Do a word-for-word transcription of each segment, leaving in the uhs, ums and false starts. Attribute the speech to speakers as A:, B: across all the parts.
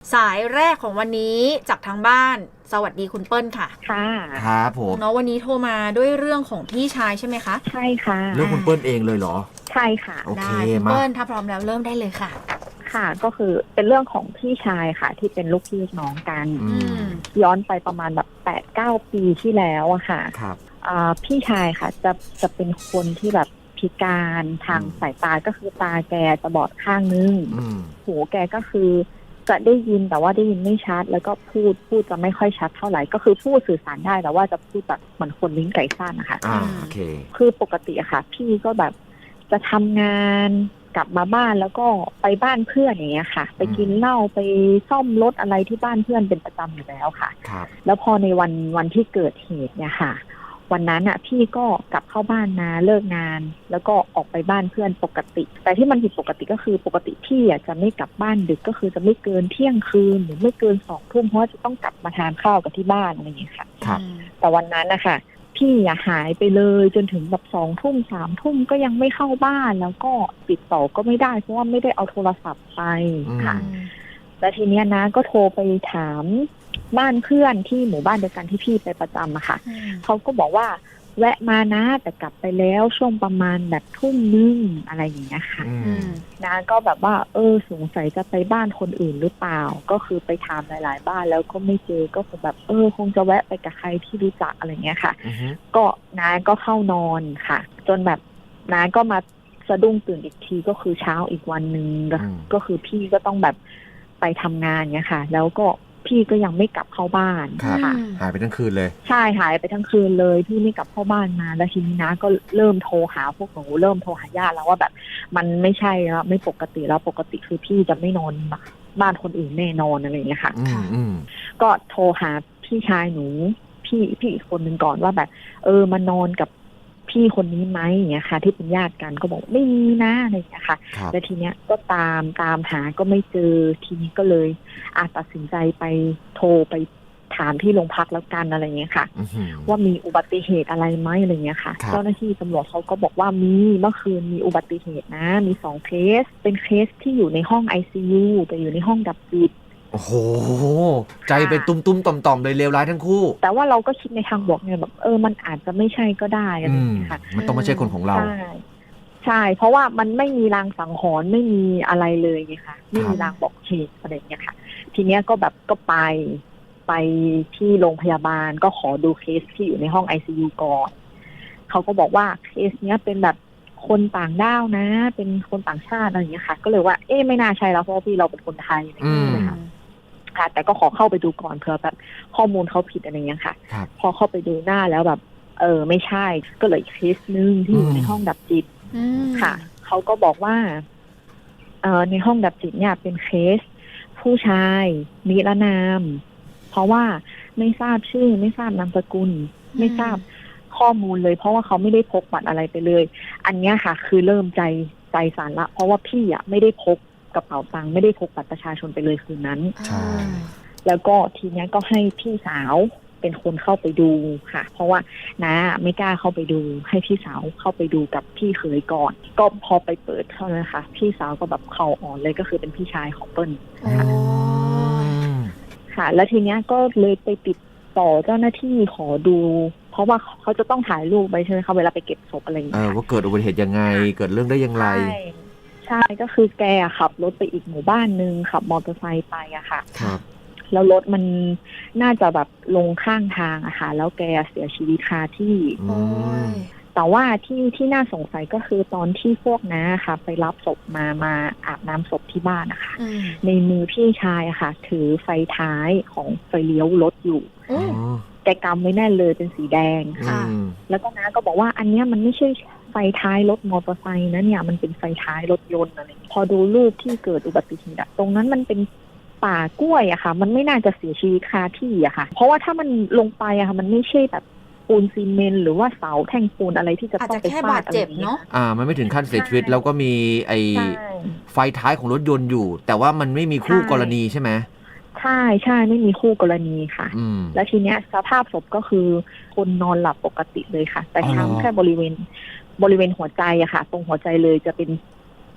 A: สายแรกของวันนี้จากทางบ้านสวัสดีคุณเปิ้ลค่ะ
B: ค่ะ
C: ครับผม
A: เนาะวันนี้โทรมาด้วยเรื่องของพี่ชายใช่ไหมคะ
B: ใช่ค่ะ
C: เรื่องคุณเปิ้ลเองเลยเหรอ
B: ใช่ค่ะ
C: โอเค
A: คุณเปิ้ลถ้าพร้อมแล้วเริ่มได้เลยค่ะ
B: ค่ะก็คือเป็นเรื่องของพี่ชายค่ะที่เป็นลูกพี่น้องกันย้อนไปประมาณแบบแปดเก้าปีที่แล้วอะค่ะ
C: ครับ
B: พี่ชายค่ะจะจะเป็นคนที่แบบพิการทางสายตาก็คือตาแกจะบอดข้างนึงหูแกก็คือจะได้ยินแต่ว่าได้ยินไม่ชัดแล้วก็พูดพูดจะไม่ค่อยชัดเท่าไหร่ก็คือพูดสื่อสารได้แต่ว่าจะพูดแบบเหมือนคนลิ้นไก่สั้นนะคะ
C: อ่าโอเค
B: คือปกติอะค่ะพี่ก็แบบจะทำงานกลับมาบ้านแล้วก็ไปบ้านเพื่อนอย่างเงี้ยค่ะไปกินเหล้าไปซ่อมรถอะไรที่บ้านเพื่อนเป็นประจำอยู่แล้วค่ะ
C: ครับ
B: แล้วพอในวันวันที่เกิดเหตุเนี่ยค่ะวันนั้นอ่ะพี่ก็กลับเข้าบ้านนะเลิกงานแล้วก็ออกไปบ้านเพื่อนปกติแต่ที่มันผิดปกติก็คือปกติพี่อ่ะจะไม่กลับบ้านดึกก็คือจะไม่เกินเที่ยงคืนหรือไม่เกินสองทุ่มเพราะจะต้องกลับมาทานข้าวกับที่บ้านอะไรอย่างเงี้ยค่ะ
C: ครับ
B: แต่วันนั้นนะคะพี่อย่าหายไปเลยจนถึงแบบสองทุ่มสามทุ่มก็ยังไม่เข้าบ้านแล้วก็ติดต่อก็ไม่ได้เพราะว่าไม่ได้เอาโทรศัพท์ไปค่ะแล้วทีเนี้ยนะก็โทรไปถามบ้านเพื่อนที่หมู่บ้านเดียวกันที่พี่ไปประจำอะค่ะเขาก็บอกว่าแวะมานะแต่กลับไปแล้วช่วงประมาณแบบทุ่มนึงอะไรอย่างเงี้ยค่ะนะก็แบบว่าเออสงสัยจะไปบ้านคนอื่นหรือเปล่าก็คือไปถามหลายๆบ้านแล้วก็ไม่เจอก็คงแบบเออคงจะแวะไปกับใครที่รู้จักอะไรเงี้ยค่ะก็น้าก็เข้านอนค่ะจนแบบน้าก็มาสะดุ้งตื่นอีกทีก็คือเช้าอีกวันนึงก็คือพี่ก็ต้องแบบไปทำงานเงี้ยค่ะแล้วก็พี่ก็ยังไม่กลับเข้าบ้าน
C: ค่ะหายไปทั้งคืนเลย
B: ใช่หายไปทั้งคืนเลยพี่ไม่กลับเข้าบ้านมาแล้วทีนี้นะก็เริ่มโทรหาพวกหนูเริ่มโทรหาญาติแล้วว่าแบบมันไม่ใช่แล้วไม่ปกติแล้วปกติคือพี่จะไม่นอนบ้านคนอื่นแน่นอนอะไรอย่างเงี้ยค่ะก็โทรหาพี่ชายหนูพี่พี่อีกคนนึงก่อนว่าแบบเออมานอนกับพี่คนนี้ไหมอย่างเงี้ยค่ะที่เป็นญาติกันก็บอกไม่มีนะอะไรอย่างเงี้ยค่ะแล้วทีเนี้ยก็ตามตามหาก็ไม่เจอทีนี้ก็เลยอาจตัดสินใจไปโทรไปถามที่โรงพักแล้วกันอะไรเงี้ยค่ะว่ามีอุบัติเหตุอะไรไหมอะไรเงี้ยค่ะเจ้าหน้าที่ตำรวจเขาก็บอกว่ามีเมื่อคืนมีอุบัติเหตุนะมีสองเคสเป็นเคสที่อยู่ในห้อง ไอ ซี ยู แต่อยู่ในห้องดับจิต
C: โอ้โหใจเป็นตุ้มๆต่อมๆเลยเลวร้ายทั้งคู่
B: แต่ว่าเราก็คิดในทางบวกไงแบบเออมันอาจจะไม่ใช่ก็ได้อะไรอย่างเงี้ยค่ะ
C: มันต้องไม่ใช่คนของเรา
B: ใช่ใช่เพราะว่ามันไม่มีรางสังหรณ์ไม่มีอะไรเลยไงคะไม่มีรางบอกเหตุอะไรอย่างเงี้ยค่ะทีเนี้ยก็แบบก็ไปไปที่โรงพยาบาลก็ขอดูเคสที่อยู่ในห้อง ไอ ซี ยู ก่อนเขาก็บอกว่าเคสเนี้ยเป็นแบบคนต่างด้าวนะเป็นคนต่างชาติอะไรอย่างเงี้ยค่ะก็เลยว่าเอ๊ะไม่น่าใช่แล้วเพราะพี่เราเป็นคนไทยอะไรอย่างเงี้ยค่ะค่ะแต่ก็ขอเข้าไปดูก่อนเผื่อแบบข้อมูลเขาผิดอะไรเงี้ยค่ะพอเข้าไปดูหน้าแล้วแบบเออไม่ใช่ก็เลยเคสนึงที่อยู่ในห้องดับจิตค่ะเขาก็บอกว่าเออในห้องดับจิตเนี่ยเป็นเคสผู้ชายนิรนามเพราะว่าไม่ทราบชื่อไม่ทราบนามสกุลไม่ทราบข้อมูลเลยเพราะว่าเขาไม่ได้พกบัตรอะไรไปเลยอันนี้ค่ะคือเริ่มใจใจสั่นละเพราะว่าพี่อ่ะไม่ได้พกกระเป๋าตังค์ไม่ได้พกบัตรประชาชนไปเลยคืนนั้น
C: ใช่
B: แล้วก็ทีนี้ก็ให้พี่สาวเป็นคนเข้าไปดูค่ะเพราะว่าน้าไม่กล้าเข้าไปดูให้พี่สาวเข้าไปดูกับพี่เขยก่อนก็พอไปเปิดเท่านั้นค่ะพี่สาวก็แบบเข่าอ่อนเลยก็คือเป็นพี่ชายของเปิ้ลค่ะค่ะแล้วทีนี้ก็เลยไปติดต่อเจ้าหน้าที่ขอดูเพราะว่าเขาจะต้องถ่ายรูปไปใช่ไหมคะเวลาไปเก็บศพอะไรอย่างเงี้ย
C: ว่าเกิดอุบัติเหตุยังไงเกิดเรื่องได้ยังไง
B: ใช่ก็คือแกขับรถไปอีกหมู่บ้านนึงขับมอเตอร์ไซค์ไปอะค่ะ
C: ครับ
B: แล้วรถมันน่าจะแบบลงข้างทางอะค่ะแล้วแกเสียชีวิตคาที่แต่ว่าที่ที่น่าสงสัยก็คือตอนที่พวกน้าค่ะไปรับศพมามาอาบน้ำศพที่บ้านนะคะในมือพี่ชายอะค่ะถือไฟท้ายของไฟเลี้ยวรถอยู่แกกำไว้แน่นเลยเป็นสีแดงค่ะแล้วก็น้าก็บอกว่าอันเนี้ยมันไม่ใช่ไฟท้ายรถมอเตอร์ไซค์นะเนี่ยมันเป็นไฟท้ายรถยนต์อะไรพอดูรูปที่เกิดอุบัติเหตุตรงนั้นมันเป็นป่ากล้วยอะค่ะมันไม่น่าจะเสียชีวิตคาที่อะค่ะเพราะว่าถ้ามันลงไปอะค่ะมันไม่ใช่แบบปูนซีเมนต์หรือว่าเสาแท่งปูนอะไรที่จะต้องไปฟาดอะไรเนาะ
C: อ่ามันไม่ถึงขั้นเสียชีวิตแล้วก็มีไอไฟท้ายของรถยนต์อยู่แต่ว่ามันไม่มีคู่กรณีใช่ไหม
B: ใช่ใช่ไม่มีคู่กรณีค่ะแล้วทีเนี้ยสภาพศพก็คือคนนอนหลับปกติเลยค่ะแต่ช้ำแค่บริเวณบริเวณหัวใจอะค่ะตรงหัวใจเลยจะเป็น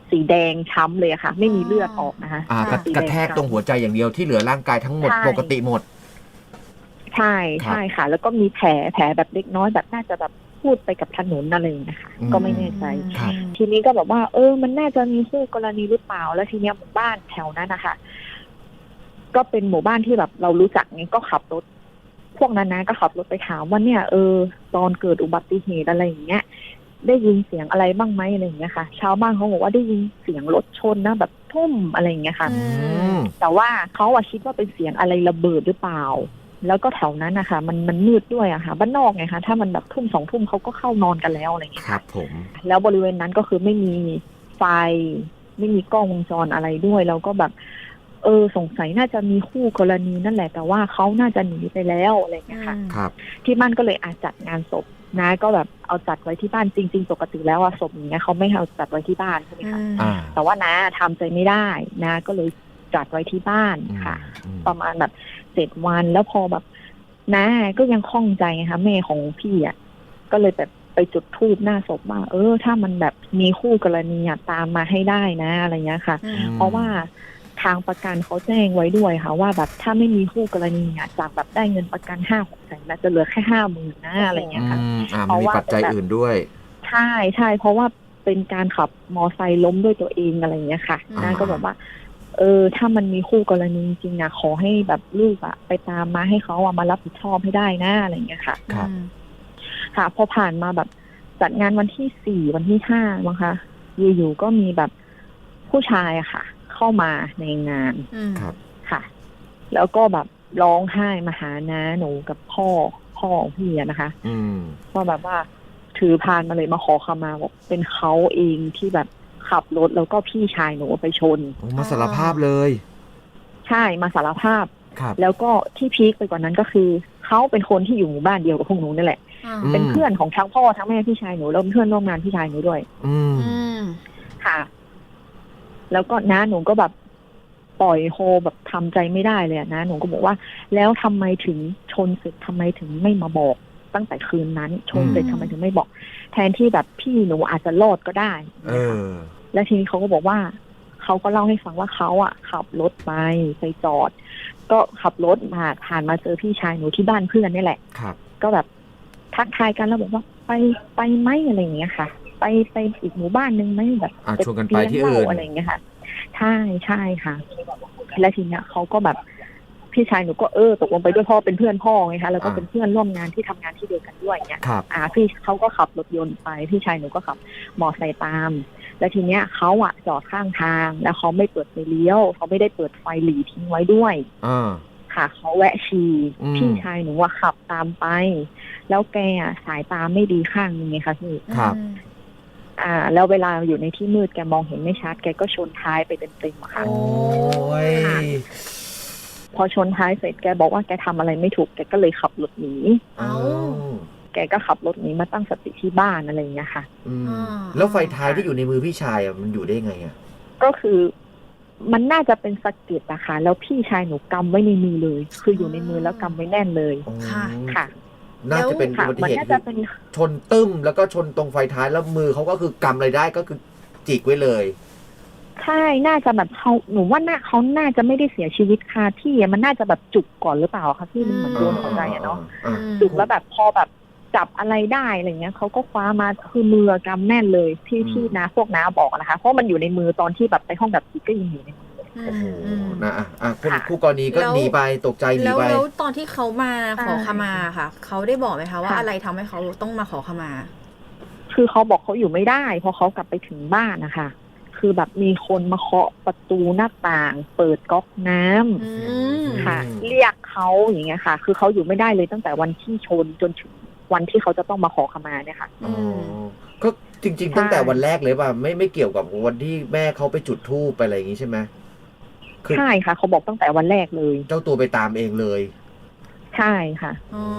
B: สีแดงช้ำเลยอะค่ะ ไม่มีเลือดออกนะคะ
C: อ่ากระกระแทกตรงหัวใจอย่างเดียวที่เหลือร่างกายทั้งหมดปกติหมด
B: ใช่ใช่ค่ะ แล้วก็มีแผลแผลแบบเล็กน้อยแบบน่าจะแบบพูดไปกับถนนอะไรนะคะก็ไม่แน่ใจทีนี้ก็แบบว่าเออมันน่าจะมีคู่กรณีหรือเปล่าแล้วทีเนี้ยหมู่บ้านแถวนั้นนะคะก็เป็นหมู่บ้านที่แบบเรารู้จักไงก็ขับรถพวกนั้นนะก็ขับรถไปถามว่าเนี่ยเออตอนเกิดอุบัติเหตุอะไรอย่างเงี้ยได้ยินเสียงอะไรบ้างไหมอะไรอย่างเงี้ยค่ะชาวบ้านเขาบอกว่าได้ยินเสียงรถชนนะแบบทุ่มอะไรอย่างเงี้ยค่ะแต่ว่าเขาอะคิดว่าเป็นเสียงอะไรระเบิดหรือเปล่าแล้วก็แถวนั้นนะคะมันมันมืดด้วยอะค่ะบ้านนอกไงคะถ้ามันแบบทุ่มสองทุ่มเขาก็เข้านอนกันแล้วอะไรอย่างเงี้ย
C: ครับผม
B: แล้วบริเวณนั้นก็คือไม่มีไฟไม่มีกล้องวงจรอะไรด้วยแล้วก็แบบเออสงสัยน่าจะมีคู่กรณีนั่นแหละแต่ว่าเขาน่าจะหนีไปแล้วอะไรอย่างเงี้ยค่ะ
C: ครับ
B: ที่บ้านก็เลยอาจจัดงานศพนะก็แบบเอาจัดไว้ที่บ้านจริงๆปกติแล้วอะศพอย่างเงี้ยเขาไม่เอาจัดไว้ที่บ้านใช่ไหมคะแต่ว่านะทำใจไม่ได้นะก็เลยจัดไว้ที่บ้านค่ะประมาณแบบเจ็ดวันแล้วพอแบบนะก็ยังคล่องใจไงคะแม่ของพี่อะก็เลยแบบไปจุดธูปหน้าศพว่าเออถ้ามันแบบมีคู่กรณีอะตามมาให้ได้นะอะไรเงี้ยค่ะเพราะว่าทางประกันเขาแจ้งไว้ด้วยค่ะว่าแบบถ้าไม่มีคู่กรณีอ่ะจากแบบได้เงินประกันห้าหกแสนแล้วจะเหลือแค่ห้าหมื่นนะอะไรเงี้ยค่ะ
C: เพราะว่าปัจจัยอื่นด้วย
B: ใช่ใช่เพราะว่าเป็นการขับมอไซค์ล้มด้วยตัวเองอะไรเงี้ยค่ะนั่นก็บอกว่าเออถ้ามันมีคู่กรณีจริงๆอ่ะขอให้แบบลูกอ่ะไปตามมาให้เขาอ่ะมารับผิดชอบให้ได้นะอะไรเงี้ยค่ะ
C: ครับ
B: ค่ะพอผ่านมาแบบจัดงานวันที่สี่วันที่ห้ามั้งคะอยู่ๆก็มีแบบผู้ชายอะค่ะเข้ามาในงาน
C: ครับ
B: ค่ะแล้วก็แบบร้องไห้มาหาน้าหนูกับพ่อพ่อของพี่นะคะว่าแบบว่าถือพานมาเลยมาขอขมาบอกเป็นเขาเองที่แบบขับรถแล้วก็พี่ชายหนูไปชน
C: มาสารภาพเลย
B: ใช่มาสารภาพ
C: ครับ
B: แล้วก็ที่พีคไปกว่านั้นก็คือเขาเป็นคนที่อยู่หมู่บ้านเดียวกับพวกหนูนั่นแหละเป็นเพื่อนของทั้งพ่อทั้งแม่พี่ชายหนูแล้วเป็นเพื่อนร่วมงานพี่ชายหนูด้วย
C: อืม
B: ค่ะแล้วก็น้าหนูก็แบบปล่อยโฮแบบทำใจไม่ได้เลยนะหนูก็บอกว่าแล้วทำไมถึงชนเสร็จทำไมถึงไม่มาบอกตั้งแต่คืนนั้นชนเสร็จทำไมถึงไม่บอกแทนที่แบบพี่หนูอาจจะรอดก็ได้
C: เออ
B: แล้วทีนี้เขาก็บอกว่าเขาก็เล่าให้ฟังว่าเขาอ่ะขับรถไปไปจอดก็ขับรถมาผ่านมาเจอพี่ชายหนูที่บ้านเพื่อนนี่แหละ
C: ครับ
B: ก็แบบทักทายกันแล้วบอกว่าไปไปไหมอะไรอย่างเงี้ยค่ะไปไปอีกหมู่บ้านนึงไหมแบบ
C: ชวนกันไปที่อื่น
B: อะไรอย่างเงี้ยค่ะใช่ใช่ค่ะแล้วทีเนี้ยเขาก็แบบพี่ชายหนูก็เออตกลงไปด้วยพ่อเป็นเพื่อนพ่อไงคะแล้วก็เป็นเพื่อนร่วมงานที่ทำงานที่เดียวกันด้วยเนี่ยอ่าพี่เขาก็ขับรถยนต์ไปพี่ชายหนูก็ขับมอไซค์ตามแล้วทีเนี้ยเขาอะจอดข้างทางแล้วเขาไม่เปิดไฟเลี้ยวเขาไม่ได้เปิดไฟหลีทิ้งไว้ด้วย
C: อ่า
B: ค่ะเขาแวะฉี่พี่ชายหนูว่าขับตามไปแล้วแกอะสายตาไม่ดีข้างนึงไงคะพี่
C: ครับ
B: อ่าแล้วเวลาอยู่ในที่มืดแกมองเห็นไม่ชัดแกก็ชนท้ายไปเต็มๆค่ะ
C: โอ้ย
B: พอชนท้ายเสร็จแกบอกว่าแกทำอะไรไม่ถูกแกก็เลยขับรถหนี
C: อ้าว
B: แกก็ขับรถหนีมาตั้งสติที่บ้านอะไรอย่างเงี้ยค่ะ
C: แล้วไฟท้ายที่อยู่ในมือพี่ชายอ่ะมันอยู่ได้ไงอ่ะ
B: ก็คือมันน่าจะเป็นสะเก็ดนะคะแล้วพี่ชายหนูกำไว้ในมือเลยคืออยู่ในมือแล้วกำไว้แน่นเลย
C: ค่ะ
B: ค่ะ
C: น่าจะเป็นอุบัติเหตุชนตึ้มแล้วก็ชนตรงไฟท้ายแล้วมือเขาก็คือกำอะไรได้ก็คือจิกไว้เลย
B: ใช่น่าจะแบบเขาหนูว่าน่าเขาน่าจะไม่ได้เสียชีวิตคาที่มันน่าจะแบบจุกก่อนหรือเปล่าคะที่มันเหมือนโดนหัวใจอะเนาะจุกแล้วแบบพอแบบจับอะไรได้อะไรเงี้ยเขาก็คว้ามาคือมือกำแน่นเลยที่ที่น้าพวกน้าบอกนะคะเพราะมันอยู่ในมือตอนที่แบบไปห้องดับจิตก็ยังอยู่ในมือ
C: โอ้โหนะอ่ะคนคู่กรณีก็หนีไปตกใจหนีไป
A: แล้วตอนที่เขามาขอขมาค่ะเขาได้บอกไหมคะว่าอะไรทำให้เขาต้องมาขอขมา
B: คือเขาบอกเขาอยู่ไม่ได้พอเขากลับไปถึงบ้านนะคะคือแบบมีคนมาเคาะประตูหน้าต่างเปิดก๊อกน้ำค่ะเรียกเขาอย่างเงี้ยค่ะคือเขาอยู่ไม่ได้เลยตั้งแต่วันที่ชนจนถึงวันที่เขาจะต้องมาขอขมาเนี่ยค่ะ
C: อ๋อก็จริงๆตั้งแต่วันแรกเลยป่ะไม่ไม่เกี่ยวกับวันที่แม่เขาไปจุดธูปไปอะไรอย่างงี้ใช่ไหม
B: ใช่ค่ะเขาบอกตั้งแต่วันแรกเลย
C: เจ้าตัวไปตามเองเลย
B: ใช่ค่ะ
A: อ๋อ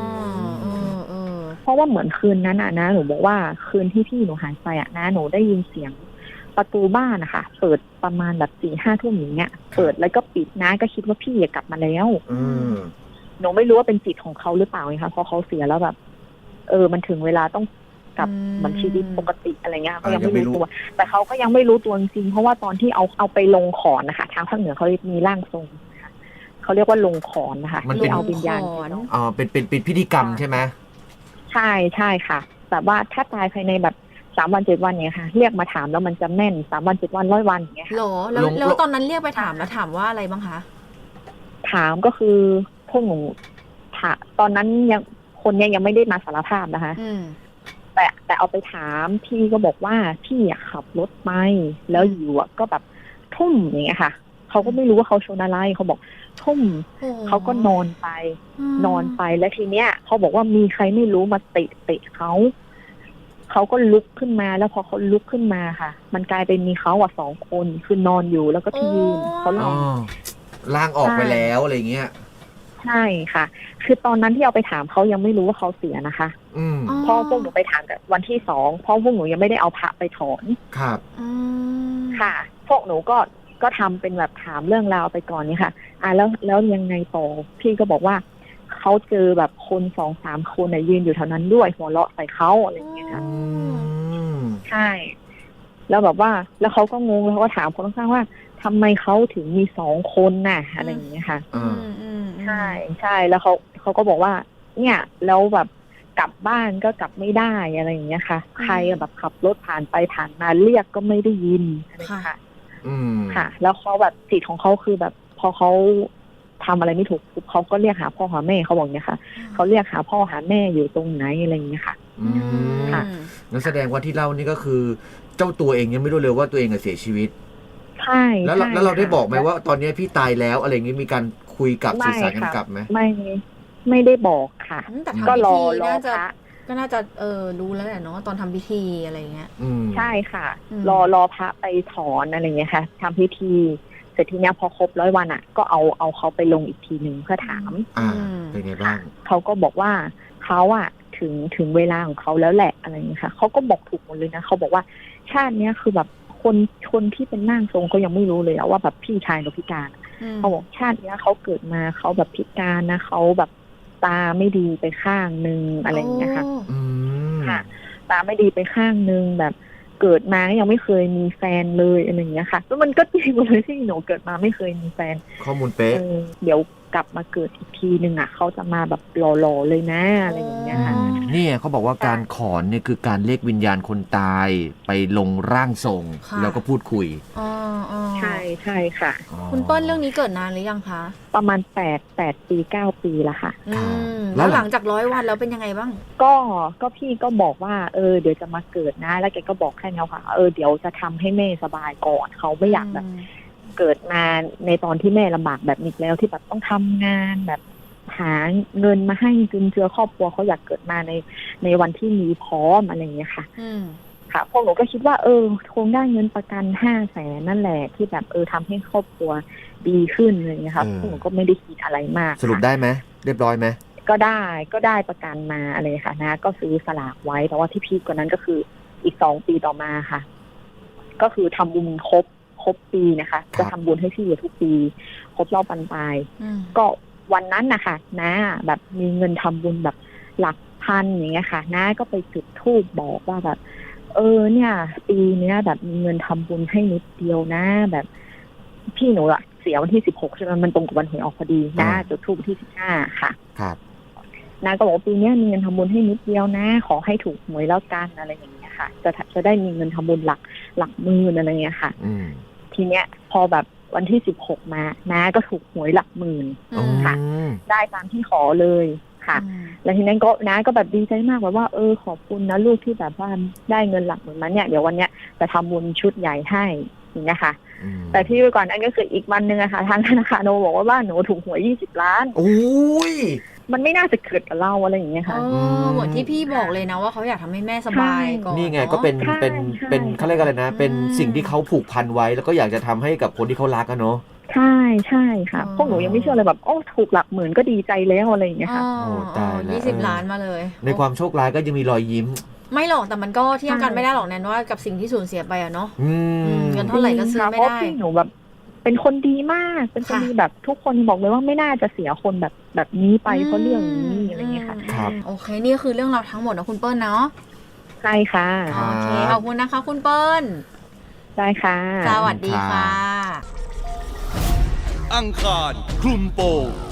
B: เพราะว่าเหมือนคืนนั้นอ่ะนะหนูบอกว่าคืนที่พี่หนูหายไปอ่ะนะหนูได้ยินเสียงประตูบ้านนะคะเปิดประมาณแบบสี่ห้าทุ่มอย่างเงี้ยเปิดแล้วก็ปิดนะก็คิดว่าพี่กลับมาแล้วหนูไม่รู้ว่าเป็นจิตของเขาหรือเปล่าไงคะเพราะเขาเสียแล้วแบบเออมันถึงเวลาต้องกับ
A: อืม
B: เหมือนชีวิตปกติอะไรเงี้ยก็
C: อ่ายั
B: ยัง
C: งไม่
B: ไม่
C: รู้
B: รู้ตัว แต่เขาก็ยังไม่รู้ตัวจริงๆเพราะว่าตอนที่เอาเอาไปลงขอนนะคะทางภาคเหนือเขามีร่างทรงนะคะเขาเรียกว่าลงขอนนะคะ
C: มัน
B: ที่
C: เป็น
B: เอาวิญญาณ
A: ลงขอน
B: ไปลง
C: อ่าเป็นเป็นเป็นพิธีกรรมใช่ไหม
B: ใช่ใช่ค่ะแบบว่าถ้าตายภายในแบบสามวันเจ็ดวันเนี้ยค่ะ เรียกมาถามแล้วมันจะแม่นสามวันเจ็ดวันร้อยวันอย่างเงี้ยค่ะ
A: หรอแล้ว
C: ลง
A: แล้ว
C: ลง
A: ตอนนั้นเรียกไปถามแล้วถามว่าอะไรบ้างคะ
B: ถามก็คือพวกหนูถาตอนนั้นยังคนเนี้ยยังไม่ได้มาสารภาพนะคะ
A: อืม
B: แต่แต่เอาไปถามพี่ก็บอกว่าพี่อะขับรถไปแล้วอยู่อะก็แบบทุ่มอย่างเงี้ยค่ะเขาก็ไม่รู้ว่าเขาชนอะไรเขาบอกทุ่ม
A: โอ้
B: เขาก็นอนไป
A: ม
B: นอนไปแล้วทีเนี้ยเขาบอกว่ามีใครไม่รู้มาเตะเตะเขาเขาก็ลุกขึ้นมาแล้วพอเขาลุกขึ้นมาค่ะ มันกลายเป็นมีเขาอ่ะสองคนคือนอนอยู่แล้วก็ที่ยืนเขาหลั
C: อ๋
B: บ
C: อล่างออกไปแล้วอะไรเงี้ย
B: ใช่ค่ะ คือตอนนั้นที่เอาไปถามเขายังไม่รู้ว่าเขาเสียนะคะ
C: อืม
A: อ๋อ
B: เพราะพวกหนูไปถามกันวันที่สองเพราะพวกหนูยังไม่ได้เอาพระไปถอน
C: ครับ
A: อืม
B: ค่ะ พวกหนูก็ก็ทำเป็นแบบถามเรื่องราวไปก่อนนี่ค่ะ อ่ะแล้วแล้วยังไงต่อพี่ก็บอกว่าเขาเจอแบบคนสองสามคนน่ะยืนอยู่แถวนั้นด้วยหัวเราะใส่เขาอะไรอย่างเงี้ยค่ะ
C: อืม
B: ใช่ แล้วแบบว่า แล้วเขาก็งงแล้วเขาก็ถามคนข้างๆว่าทำไมเขาถึงมีสองคนน่ะ อะไรอย่างเงี้ยค่ะ
C: อ่า
A: อืมอืม
B: ใช่ใช่แล้วเขาเขาก็บอกว่า เนี่ยแล้วแบบกลับบ้านก็กลับไม่ได้อะไรอย่างเงี้ยค่ะ ใครอะแบบขับรถผ่านไปผ่านมาเรียกก็ไม่ได้ยินอะไรอย่างเงี้ยค่ะ
C: อืม
B: ค่ะ แล้วเขาแบบจิตของเขาคือแบบ พอเขาทำอะไรไม่ถูกปุ๊บเขาก็เรียกหาพ่อหาแม่เขาบอกเนี่ยค่ะเขาเรียกหาพ่อหาแม่อยู่ตรงไหนอะไรอย่างเงี้ยค่ะ
C: อืม
B: ค่ะ
C: งั้นแสดงว่าที่เล่านี่ก็คือ เจ้าตัวเองยังไม่รู้เลยว่าตัวเองอะเสียชีวิต
B: ใช่
C: แล้วเรา
B: ใช่
C: แล้วเราได้
B: ค่ะ
C: บอกไหมว่าตอนนี้พี่ตายแล้วอะไรอย่างงี้มีการคุยกับ
B: ไม่
C: สื่อสารกัน
B: ค่ะ
C: กลับไหม
B: ไม่ไม่ได้บอกค่ะ
A: อืมแต่
B: ก็
A: ทำพิ
B: รอ
A: ธี
B: รอ
A: น่า
B: พ
A: จะ
B: ระ
A: ก็น่าจะเออรู้แล้วแหละเนาะตอนทำพิธีอะไรเงี้ย
C: อืม
B: ใช่ค่ะ
A: อืม
B: รอรอพระไปถอนอะไรอย่างเงี้ยค่ะทำพิธีเสร็จทีเนี้ยพอครบร้อยวันอ่ะ ก็เอาเอาเขาไปลงอีกทีหนึ่งเพื่อถาม
C: อ่า
A: อืม
C: เป็นไงบ้าง
B: เขาก็บอกว่าเขาอะถึงถึงเวลาของเขาแล้วแหละอะไรอย่างเงี้ยค่ะเขาก็บอกถูกหมดเลยนะเขาบอกว่าชาติเนี้ยคือแบบคนคนที่เป็นร่างทรงเขายังไม่รู้เลยอะว่าแบบพี่ชายกับพิการ
A: อืม
B: เขาบอกชาติเนี้ยเขาเกิดมาเขาแบบพิการนะเขาแบบตาไม่ดีไปข้างนึงอะไรอย่างเงี้ยค่ะ
A: โ
C: อืม
B: ค่ะ ตาไม่ดีไปข้างนึงแบบเกิดมายังไม่เคยมีแฟนเลยอะไรอย่างเงี้ยค่ะแล้วมันก็จริงหมดเลยที่หนูเกิดมาไม่เคยมีแฟน
C: ข้อมูลเป๊ะ
B: เออเดี๋ยวกลับมาเกิดอีกทีหนึ่งอ่ะเขาจะมาแบบหล่อๆเลยนะอะไรอย่างเงี้ยค่ะ
A: อ๋อ
C: เนี่ยเขาบอกว่าการขอนเนี่ยคือการเรียกวิญญาณคนตายไปลงร่างทรง
A: ค่ะ
C: แล้วก็พูดคุย
A: อ๋ออ๋อ
B: ใช่ใช่ค่ะ
C: อ๋อ
A: คุณเปิ้ลเรื่องนี้เกิดนานหรือยังคะ
B: ประมาณแปดแปดปีเก้าปีละค่ะ
A: อืม
C: แล้
A: แล้ว ว
C: ห
A: ห
C: ลั
A: ลั
C: ง
A: งจากร้อยวันแล้วเป็นยังไงบ้าง
B: ก็ก็พี่ก็บอกว่าเออเดี๋ยวจะมาเกิดนะ แล้วแกก็บอกแค่นี้ค่ะเออเดี๋ยวจะทำให้แม่สบายก่อนเขาไม่อยากแบบเกิดมาในตอนที่แม่ลำบากแบบนี้แล้วที่แบบต้องทำงานแบบหาเงินมาให้จุนเจือครอบครัวเขาอยากเกิดมาในในวันที่มีพร้อมอะไรอย่างเงี้ยค่ะ
A: อืม
B: ค่ะพวกหนูก็คิดว่าเออคงได้เงินประกันห้าแสนนั่นแหละที่แบบเออทำให้ครอบครัวดีขึ้นอะไรอย่างเงี้ยค่ะ
C: เออ
B: พวกหนูก็ไม่ได้คิดอะไรมาก
C: สรุป
B: ค่ะ
C: ได้ไหมเรียบร้อยไหม
B: ก็ได้ก็ได้ประกันมาอะไรค่ะนะ ก็ซื้อสลากไว้แต่ว่าที่พีคกว่านั้นก็คืออีกสองปีต่อมาค่ะ ก็คือทำบุญครบครบปีนะคะ จะทำบุญให้พี่อยู่ทุกปี ครบรอบปันปลาย
A: อืม
B: ก็วันนั้นนะคะนะแบบมีเงินทำบุญแบบหลักพันอย่างเงี้ยค่ะนะก็ไปจุดธูปบอกว่าแบบ เออเนี่ย ปีเนี้ยแบบมีเงินทำบุญให้นิดเดียวนะ แบบพี่หนูอะเสียวันที่สิบหกใช่ไหมมันตรงกับวันหวยออกพอดีนะจุดธูปวันที่สิบห้าค่ะ
C: ครับ
B: นาก็บอกว่าปีนี้มีเงินทำบุญให้นิดเดียวนะ ขอให้ถูกหวยแล้วกันอะไรอย่างเงี้ยค่ะ จะจะได้มีเงินทำบุญหลักหลักหมื่นอะไรเงี้ยค่ะ
C: อืม
B: ทีเนี้ยพอแบบวันที่สิบหกมาน้าก็ถูกหวยหลักหมื่น
A: อืม
B: ค่ะ ได้ตามที่ขอเลยค่ะ
A: อืม
B: แล้วทีนั้นก็น้าก็แบบดีใจมากแบบว่าเออขอบคุณนะลูกที่แบบว่าได้เงินหลักหมื่นมาเนี่ยเดี๋ยววันเนี้ยจะทำบุญชุดใหญ่ให้อย่างเงี้ยค่ะ
C: อืม
B: แต่ที่ก่อนนั้นก็คืออีกวันหนึ่งอะค่ะทางธนาคารโนบอกว่าบ้านหนูถูกหวยยี่สิบล้าน
C: โอ้ย
B: มันไม่น่าจะเกิดกับเราอะไรอย่างเงี้ย
A: เอ
B: ค่ะ
A: อเหมือนที่พี่บอกเลยนะว่าเขาอยากทำให้แม่สบายก่อน
C: นี่ไง
A: อะ
C: ก็เป็น
B: ใช่
C: เป็น
B: ใช่
C: เป็นเขาเรียกอะไรนะ เป็น
A: อืม
C: สิ่งที่เขาผูกพันไว้ แล้วก็อยากจะทำให้กับคนที่เขารักอะเนาะ
B: ใช่ใช่ค่ะ
A: อ๋อ
B: พวกหนูยังไม่เชื่อเลยแบบโอ้ถูกหลักหมื่นก็ดีใจแล้วอะไรอย่างเงี้ยค่ะ
C: โอ้ตายแล้ว
A: ยี่สิบ
C: เออ
A: ล้านมาเลย
C: ในความโชคร้ายก็ยังมีรอยยิ้ม
A: ไม่หรอกแต่มันก็เทียบกัน
B: ใช่
A: ไม่ได้หรอกแนนว่ากับสิ่งที่สูญเสียไปอะเนาะ
C: อื
A: อื
C: ม
A: มเงิน เท่าไหร่ก็ซื้อไม่ได้
B: เพราะพี่หนูแบบ เป็นคนดีมาก เป็นคน
A: ค่ะ
B: ดีแบบทุกคนบอกเลยว่าไม่น่าจะเสียคนแบบแบบนี้ไปเพราะเรื่องนี้อะไรเงี้ยค่ะ
C: ครับ
A: โอเคนี่คือเรื่องราวทั้งหมดนะคุณเปิ้ลเนาะ
B: ใช่ค่ะ
C: ครับ
A: โอเคขอบคุณนะคะ คุณเปิ้ล
B: ได้ค่ะ
A: สวัสดีค่ะ
D: อังคารคลุมโปง